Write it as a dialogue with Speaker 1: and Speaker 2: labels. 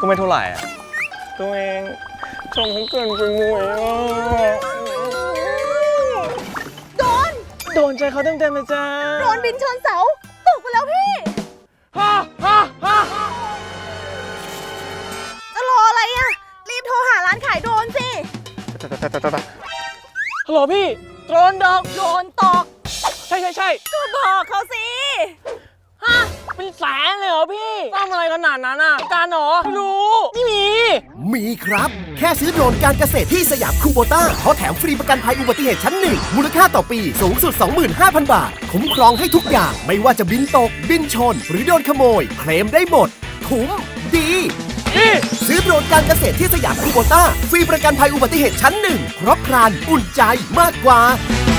Speaker 1: ก็ไม่เท่าไหร่อ่ะตัวเองชมเขาเกินไปมุ้ยโดนใจเขาเต็มๆเลยจ้า
Speaker 2: โดนบินชนเสาตกไปแล้วพี่จะรออะไรอ่ะรีบโทรหาร้านขายโดรนสิ
Speaker 1: ฮัลโหลพี่โดนตกใช่
Speaker 2: ก็บอกเขาสิ
Speaker 1: เป็นแสนเลยเหรอพี่ซ่อมอะไรขนาดนั้นอ่ะการหรอไม่รู้ไม่
Speaker 3: มีครับแค่ซื้อโดรนการเกษตรที่สยามคูโบต้าเขาแถมฟรีประกันภัยอุบัติเหตุชั้นหนึ่งมูลค่าต่อปีสูงสุด 25,000 บาทคุ้มครองให้ทุกอย่างไม่ว่าจะบินตกบินชนหรือโดนขโมยเคลมได้หมดคุ้มดีซื้อโดรนการเกษตรที่สยามคูโบต้าฟรีประกันภัยอุบัติเหตุชั้นหนึ่งครบครันอุ่นใจมากกว่า